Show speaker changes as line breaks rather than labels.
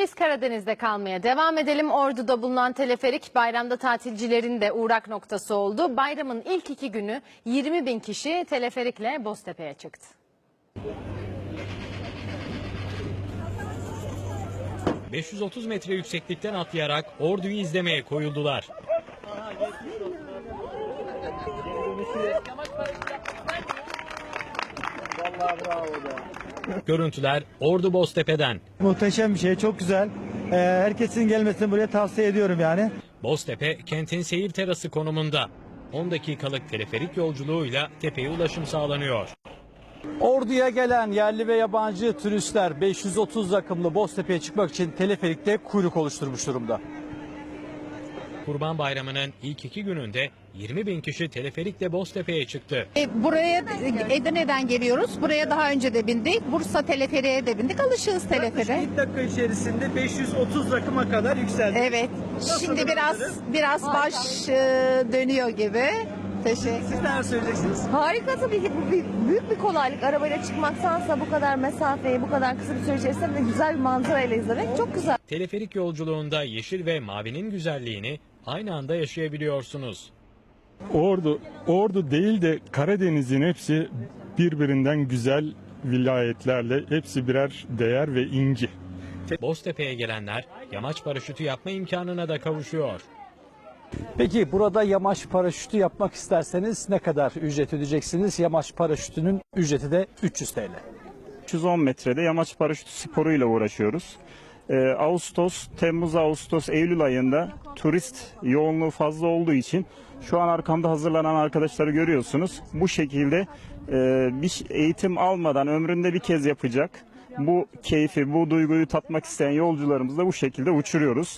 Biz Karadeniz'de kalmaya devam edelim. Ordu'da bulunan teleferik bayramda tatilcilerin de uğrak noktası oldu. Bayramın ilk 2 günü 20.000 kişi teleferikle Boztepe'ye çıktı.
...530 metre yükseklikten atlayarak Ordu'yu izlemeye koyuldular. Görüntüler Ordu Boztepe'den.
Muhteşem bir şey, çok güzel. Herkesin gelmesini buraya tavsiye ediyorum yani.
Boztepe kentin seyir terası konumunda. 10 dakikalık teleferik yolculuğuyla tepeye ulaşım sağlanıyor.
Ordu'ya gelen yerli ve yabancı turistler 530 rakımlı Boztepe'ye çıkmak için teleferikte kuyruk oluşturmuş durumda.
Kurban Bayramı'nın ilk 2 gününde 20.000 kişi teleferikle Boztepe'ye çıktı.
Buraya Edirne'den geliyoruz. Buraya daha önce de bindik. Bursa teleferiğe de bindik. Alışığız teleferiğe.
1 dakika içerisinde 530 rakıma kadar yükseldi.
Evet. Şimdi biraz baş dönüyor gibi. Teşekkür.
Siz neler söyleyeceksiniz?
Harika tabii ki. Bu büyük bir kolaylık. Arabayla çıkmaktansa bu kadar mesafeyi bu kadar kısa bir süre içerisinde de güzel bir manzarayla izlemek çok güzel.
Teleferik yolculuğunda yeşil ve mavinin güzelliğini aynı anda yaşayabiliyorsunuz.
Ordu değil de Karadeniz'in hepsi birbirinden güzel vilayetlerle, hepsi birer değer ve inci.
Boztepe'ye gelenler yamaç paraşütü yapma imkanına da kavuşuyor.
Peki burada yamaç paraşütü yapmak isterseniz ne kadar ücret ödeyeceksiniz? Yamaç paraşütünün ücreti de 300 TL.
310 metrede yamaç paraşütü sporuyla uğraşıyoruz. Temmuz, Ağustos, Eylül ayında turist yoğunluğu fazla olduğu için şu an arkamda hazırlanan arkadaşları görüyorsunuz. Bu şekilde bir eğitim almadan ömründe bir kez yapacak bu keyfi, bu duyguyu tatmak isteyen yolcularımızı da bu şekilde uçuruyoruz.